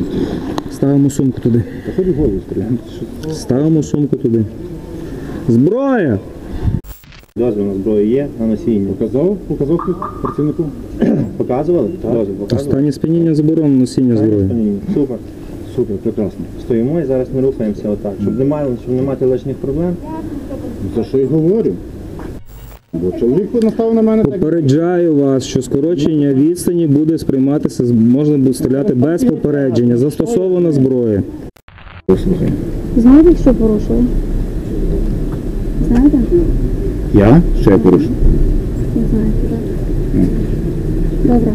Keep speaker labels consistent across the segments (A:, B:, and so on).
A: Ставимо сумку туди.
B: Та хоч голову стріляємо.
A: Ставимо сумку туди. Зброя!
C: Дозвіл на зброю є, на носіння.
B: Показав працівнику.
C: Показували? Дозвіл показували?
A: Останнє сп'яніння заборонено носіння зброї.
C: Супер.
B: Супер, прекрасно.
C: Стоїмо і зараз ми рухаємося отак, щоб не мати лишніх проблем.
B: За що й говорю? Бо чоловік наставив на мене так.
A: Попереджаю вас, що скорочення відстані буде сприйматися, можна буде стріляти без попередження. Застосована зброя.
B: Послухай.
D: Знаєте, що порушили? Знаєте?
B: Я? Що я порушив?
D: Не знаєте, так? Добре.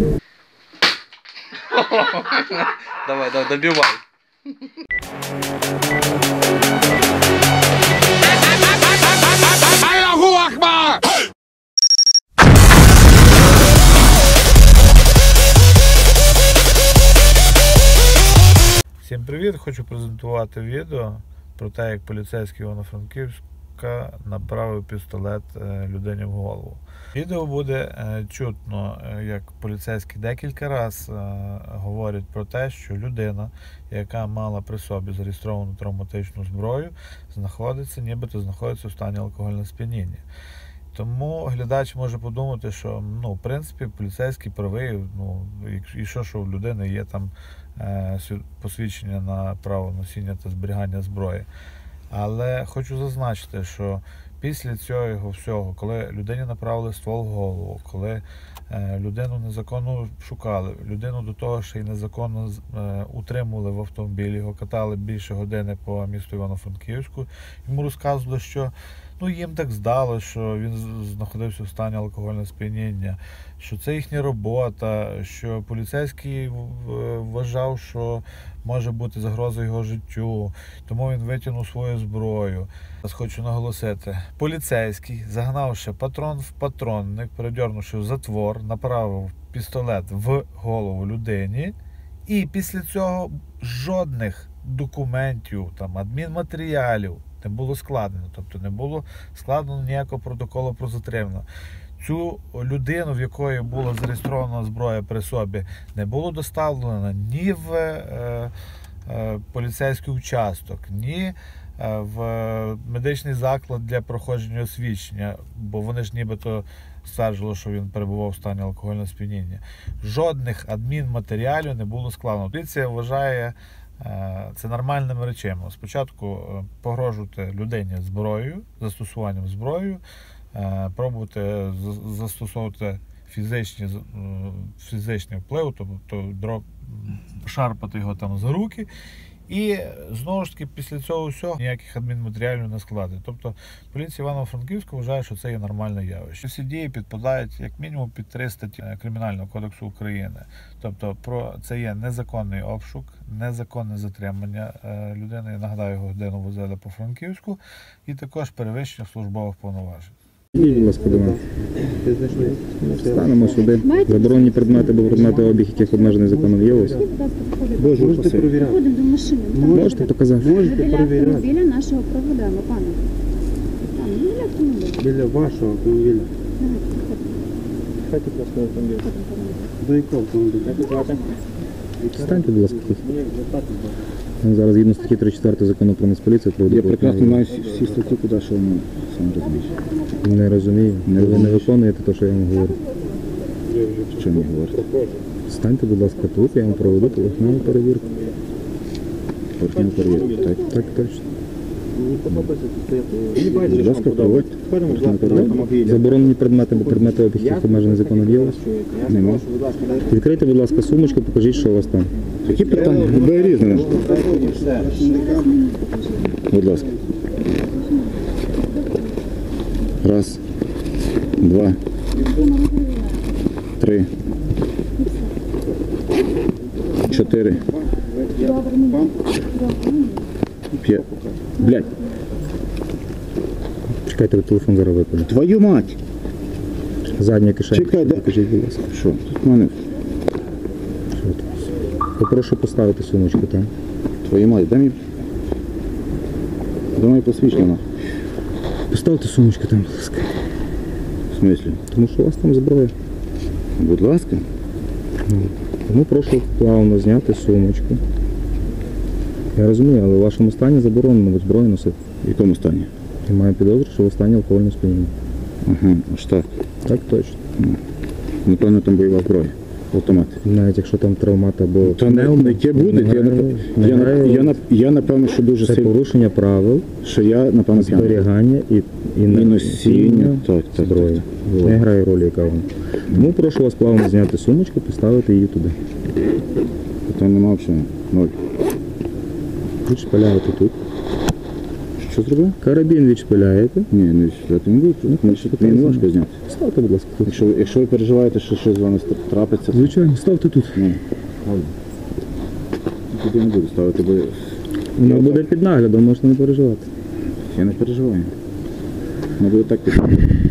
E: Давай, добивай.
F: Всім привіт! Хочу презентувати відео про те, як поліцейський Івано-Франківська направив пістолет людині в голову. Відео буде чутно, як поліцейські декілька разів говорять про те, що людина, яка мала при собі зареєстровану травматичну зброю, нібито знаходиться в стані алкогольного сп'яніння. Тому глядач може подумати, що в принципі поліцейський правий, і що в людини є там посвідчення на право носіння та зберігання зброї. Але хочу зазначити, що після цього всього, коли людині направили ствол в голову, коли людину незаконно шукали, людину до того ще й незаконно утримували в автомобілі, його катали більше години по місту Івано-Франківську, йому розказували, що їм так здалося, що він знаходився в стані алкогольного сп'яніння, що це їхня робота, що поліцейський вважав, що може бути загроза його життю, тому він витягнув свою зброю. Хочу наголосити, поліцейський, загнавши патрон в патронник, передьорнувши в затвор, направив пістолет в голову людині, і після цього жодних документів, адмінматеріалів не було складено, тобто не було складено ніякого протоколу про затримання. Цю людину, в якої була зареєстрована зброя при собі, не було доставлено ні в поліцейський участок, ні в медичний заклад для проходження освідчення, бо вони ж нібито стверджували, що він перебував в стані алкогольного сп'яніння. Жодних адмінматеріалів не було складено. Поліція вважає це нормальними речами. Спочатку погрожувати людині зброєю, застосуванням зброї, пробувати застосовувати фізичний вплив, тобто шарпати його за руки. І знову ж таки після цього всього ніяких адмінматеріалів не складить. Тобто поліція Івано-Франківська вважає, що це є нормальне явище. Всі дії підпадають як мінімум під 3 статті Кримінального кодексу України. Тобто це є незаконний обшук, незаконне затримання людини, я нагадаю, годину возили по Франківську, і також перевищення службових повноважень.
A: Будь ласка, до нас. Станемо сюди. Заборонені предмети, бо предмети обіг, яких обмежений законом є ось.
B: Можете перевіряти.
D: Ходимо до машини.
A: Можете показати?
B: Можете
D: Біля
B: перевіряти.
D: автомобіля нашого проведемо, пане. Біля автомобіля.
B: Біля вашого автомобіля.
C: Хайте просто на автомобіль.
B: До якого автомобіля?
A: Станьте, будь ласка, тут. Зараз згідно статті 34 закону про Нацполіцію проведу.
B: Я прекрасно знаю всі статті, куди що воно сам розумієш.
A: Не розумію. Ви не виконуєте те, що я вам говорю.
B: Що мені говорите?
A: Станьте, будь ласка, тут, я вам проведу поверхневу перевірку.
B: Поверхневу перевірку, так?
A: Так, точно.
B: Будь ласка, проводьте.
A: Заборонені предмети, бо предмети обіг, яких обмежений законом є ось.
B: Нема.
A: Відкрийте, будь ласка, сумочку, покажіть, що у вас там.
B: Які питання? Любе різне. Будь ласка. Раз, два, три, 4, 5. Блядь,
A: Чекайте, телефон зараз випаде.
B: твою мать!
A: Задня кишенька.
B: Чекай, де?
A: Покажіть, будь ласка.
B: Що? Тут в мене,
A: Що тут? Попрошу поставити сумочку там.
B: твою мать, дай мені посвідчення.
A: Поставте сумочку там, будь ласка.
B: В смислі?
A: Тому що у вас там зброя.
B: Будь ласка.
A: Тому прошу плавно зняти сумочку. Я розумію, але в вашому стані заборонено зброю носити.
B: В якому стані?
A: Я маю підозру, що ви в стані алкогольного сп'яніння.
B: Ага, аж так.
A: Так точно.
B: Напевно, там бойова зброя. Автомат.
A: Навіть якщо там травмат або
B: Та не яке буде, я напевно, що дуже
A: це
B: сильно,
A: порушення правил
B: що я, напевно, п'яний.
A: зберігання і
B: І носіння. Так, так,
A: зброї.
B: так.
A: Не грає ролі, яка вона. Тому прошу вас плавно зняти сумочку, поставити її туди.
B: Там нема взагалі. Ноль.
A: Відшпиляєте тут.
B: Що зробив?
A: Карабін відшпиляєте.
B: Ні, не відстріляти не буду. Мені не важко зняти.
A: Ставте, будь ласка, тут.
B: Якщо ви переживаєте, що щось з вами трапиться, то
A: Звичайно, ставте тут.
B: ні. Тоді не буду ставити, бо
A: Воно буде під наглядом, можете не переживати.
B: я не переживаю. Не буде так піти.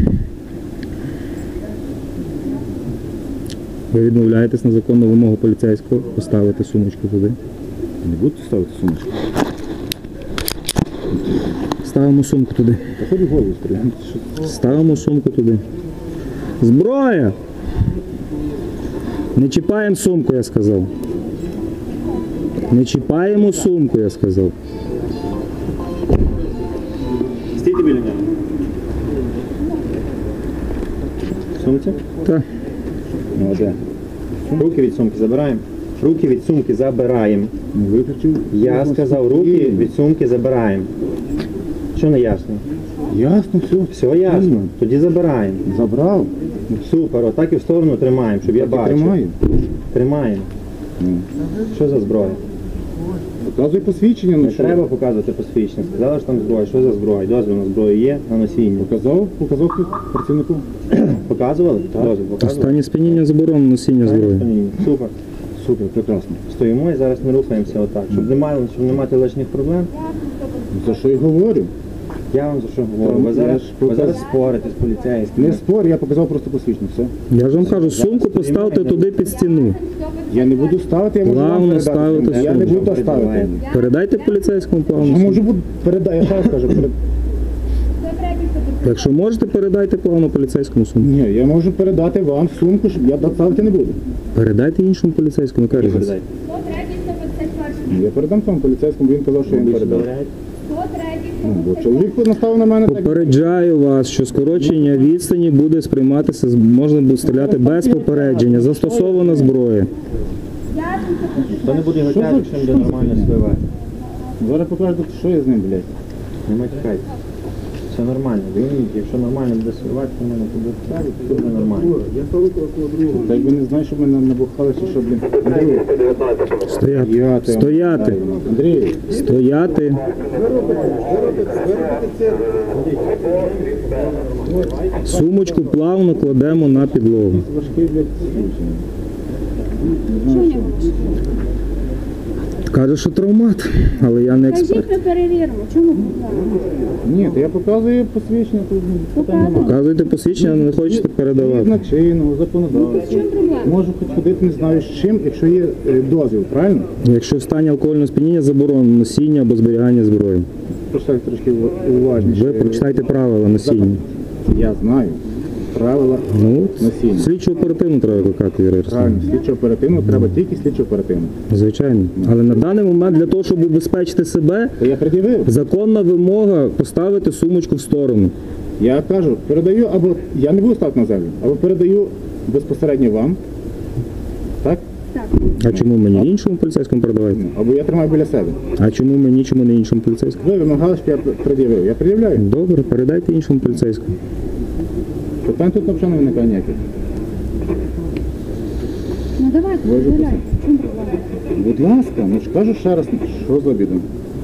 A: Ви відмовляєтесь на законну вимогу поліцейського поставити сумочку туди.
B: Не буду ставити сумочку.
A: Ставимо сумку туди.
B: Та хоч голову стріляти.
A: Ставимо сумку туди. Зброя! Не чіпаємо сумку, я сказав. Не чіпаємо сумку, я сказав.
C: Стійте біля нього. Сумці?
A: Так.
C: Ну, а де? Руки від сумки забираємо. Руки від сумки забираємо.
B: Виключив.
C: Я сказав, руки від сумки забираємо. Що не ясно?
B: Ясно, все.
C: Все ясно. Тоді забираємо.
B: Забрав.
C: Супер, отак і в сторону тримаємо, щоб я
B: Так і
C: бачив.
B: тримаю.
C: Тримаємо.
B: Ну.
C: Що за зброя?
B: Показуй посвідчення, ну
C: Не
B: що?
C: треба показувати посвідчення. Сказали, що там зброя. Що за зброя? Дозвіл на зброю є на носіння.
B: Показав тут працівнику.
C: Показували? Дозвіл
A: В
C: показували?
A: стані сп'яніння заборонено носіння зброї.
C: Супер.
B: Супер, прекрасно.
C: Стоїмо і зараз не рухаємося отак. Щоб не мати лишніх проблем.
B: За що й говорю?
C: Я вам за що говорю? Ви
B: Я
C: зараз,
B: ж
C: ви
B: показ-
C: зараз спорите з поліцейськими.
B: Не спор, я показав просто посвідчення, все.
A: Я ж вам кажу, сумку поставте туди під стіну.
B: Я не буду ставити, я можу вам
A: Плавно
B: передати.
A: ставити
B: Я не
A: сумку.
B: буду ставити.
A: Передайте поліцейському
B: Я
A: плавно.
B: можу
A: сумку.
B: бути передати, я ще раз кажу.
A: Якщо можете, передайте плавно поліцейському сумку.
B: Ні, я можу передати вам сумку, щоб я ставити не буду.
A: Передайте іншому поліцейському, яка різниця?
C: Передайте.
B: Я передам тому поліцейському, він казав, що він передав.
C: Довіряєте?
B: Ну, бо чоловік наставив на мене так.
A: Попереджаю вас, що скорочення відстані буде сприйматися, можна буде стріляти без попередження. Застосована зброя.
C: Хто не буде готати, якщо буде нормально співати?
B: Зараз покажу, що я з ним, блядь.
C: Не матюкайте. Все нормально. Дивіться, якщо нормально буде співати, то мене буде ставити, то буде нормально.
B: Та якби не знаю, що мене набухали, чи що, блін. Андрій,
A: Стояти. Стояти.
B: Андрій,
A: Стояти. Сумочку плавно кладемо на підлогу.
B: важкий, блядь, случай.
D: Що у нього?
A: Каже, що травмат, але я не експерт.
D: Кажіть, ми перевіримо. Чому проблема?
B: Ні, то я показую посвідчення, тут питань немає.
A: Показуйте посвідчення, але не хочете передавати.
B: Згідно чинного
D: В
B: законодавства.
D: чому проблема?
B: Можу хоч ходити не знаю з чим, якщо є дозвіл, правильно?
A: Якщо в стані алкогольного сп'яніння заборонено носіння або зберігання зброї.
B: Прочитайте трошки уважніше.
A: Ви прочитайте правила носіння.
B: Я знаю. Правила
A: Ну,
B: носіння.
A: слідчу оперативну треба викликати, Юрій
B: Правильно,
A: Ярославович.
B: слідчо оперативно, треба тільки слідчо оперативно.
A: Звичайно. Але на даний момент для того, щоб убезпечити себе,
B: То я пред'явив.
A: законна вимога поставити сумочку в сторону.
B: Я кажу, передаю, або я не буду ставити на землю, або передаю безпосередньо вам. Так?
D: Так.
A: А чому мені іншому поліцейському передавати?
B: Ну, або я тримаю біля себе.
A: А чому мені, чому не іншому поліцейському?
B: Ви вимагали, щоб я пред'явив. Я пред'являю.
A: Добре, передайте іншому поліцейському.
B: Питань тут взагалі не виникає ніяких.
D: Ну давайте,
B: Ви вже
D: перевіряйте. В чому проблема?
B: Будь ласка, ну ж кажу ще раз, що за обідом.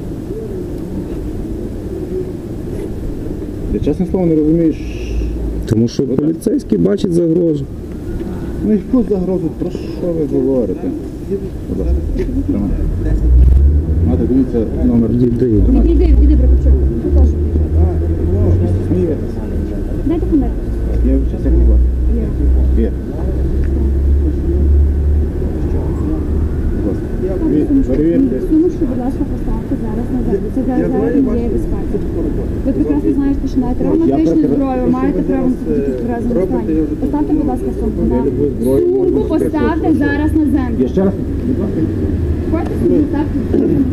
B: Я чесне слово не розумію,
A: Тому що поліцейський бачить загрозу.
B: ну яку загрозу, про що ви говорите? Будь ласка, тримай. Мати, дивіться номер.
A: Відійди.
D: Відійди, Прокопчук. Покажу.
B: Смієтеся.
D: Дайте документ.
B: Я зараз як була. Вір. Будь ласка. Перевірте.
D: Сумочку, будь ласка, поставте зараз на землю. Це зараз є безпеки. Ви прекрасно знаєте, що маєте травматичну зброю, маєте право на тільки в тверезому стані. Поставте, будь ласка, сумку на сумку, поставте зараз на землю.
B: Ще раз.
D: Хочете сумку, поставте на землю.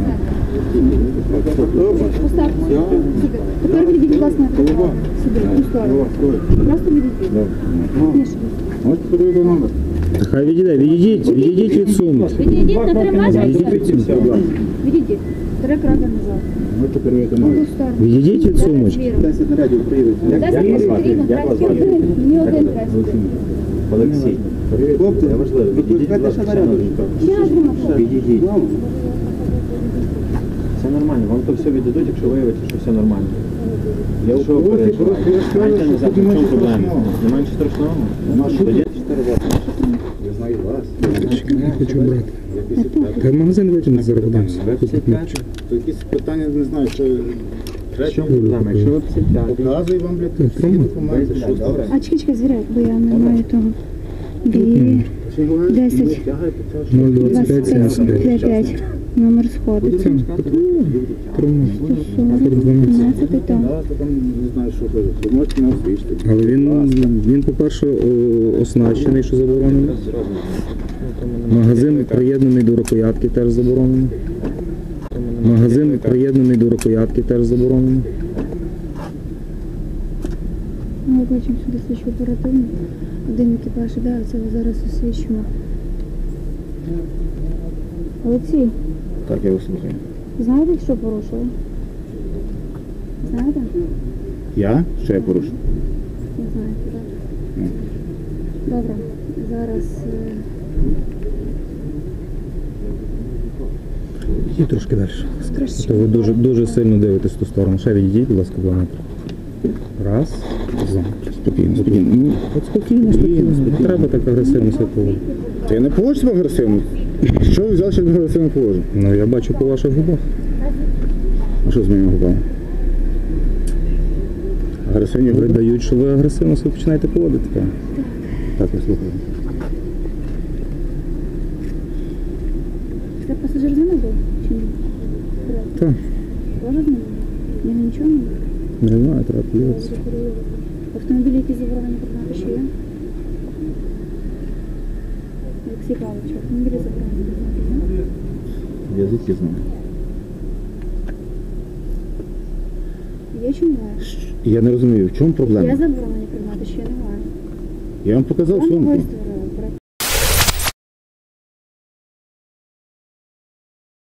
D: Поставте сюди. Тепер відійдіть, будь ласка, на тротуар. Сюди, в ту сторону. Просто відійдіть. Ніж.
B: Можете перевірити номер?
A: Хай відійдіть від сумки.
D: Відійдіть на 3 метри.
A: Відійдіть від сумки.
D: Відійдіть. 3 кроки назад.
B: Можете перевірити
D: В
B: номер?
D: ту сторону.
A: Відійдіть від сумочки.
B: 10 нарядів приїдуть.
D: 10 потрібно, третій один. Мені один третій.
C: Олексій.
B: Хлопці,
C: Це важливо.
B: викликайте ще наряду.
D: Ще один.
C: Підійдіть. Все нормально, вам то все віддадуть, якщо виявиться, що все нормально. Якщо ви переживаєте, станьте назад, в чому проблема? Немає нічого страшного? Тоді 4 роки.
B: Я знаю вас.
A: Я хочу брати. Та в магазин витягнути зараз подамся.
B: То якісь питання, не знаю, що...
C: В чому проблема? Якщо ви психіатр,
B: Показую вам, блядь, всі документи. Що добре?
D: А чекай, звіряй, бо я не маю того. 10,
A: 025 75.
D: 5, номер сходиться. 12 там.
B: Да, то там не знаю, що кажуть. Ви можете нас вийшти.
A: Але він, по-перше, оснащений, що заборонено. Магазин приєднаний до рукоятки, теж заборонено. Магазин приєднаний до рукоятки, теж заборонено.
D: Ми бачимо сюди слідчу оперативну. Один екіпаж іде, а це зараз освічимо. Олексій,
B: Так, я вас слухаю.
D: знаєте, що порушили? Знаєте?
B: Я? Що я порушив?
D: Не знаєте, так? Добре, зараз...
A: І трошки далі.
D: Краще.
A: То ви дуже сильно дивитесь в ту сторону. Ще відійдіть, будь ласка, 2 метри. Раз, два.
B: Спокійно, спокійно. Ну,
A: От спокійно. Не треба так агресивно себе поводити.
B: та я не поводжу себе агресивно. Що ви взяли, що я агресивно поводжу?
A: Ну, я бачу по ваших губах.
B: А що з моїми губами? Агресивні губи?
A: Видають, що ви агресивно себе починаєте поводити.
B: Так, я слухаю.
D: Це пасажир з ними був? Чи ні?
A: Так.
D: Тоже з ними? Я нічого не
A: Не знаю, треба подивитися.
D: Автомобілі, які заборонені придбати, що є? Олексій Павлович, автомобілі заборонені придбати, є?
B: Я звідки знаю.
D: Є чи немає?
B: Я не розумію, в чому
D: Є
B: проблема?
D: заборонені придбати, чи немає?
B: Я вам показав
D: Вам
B: сумку.
D: виставили.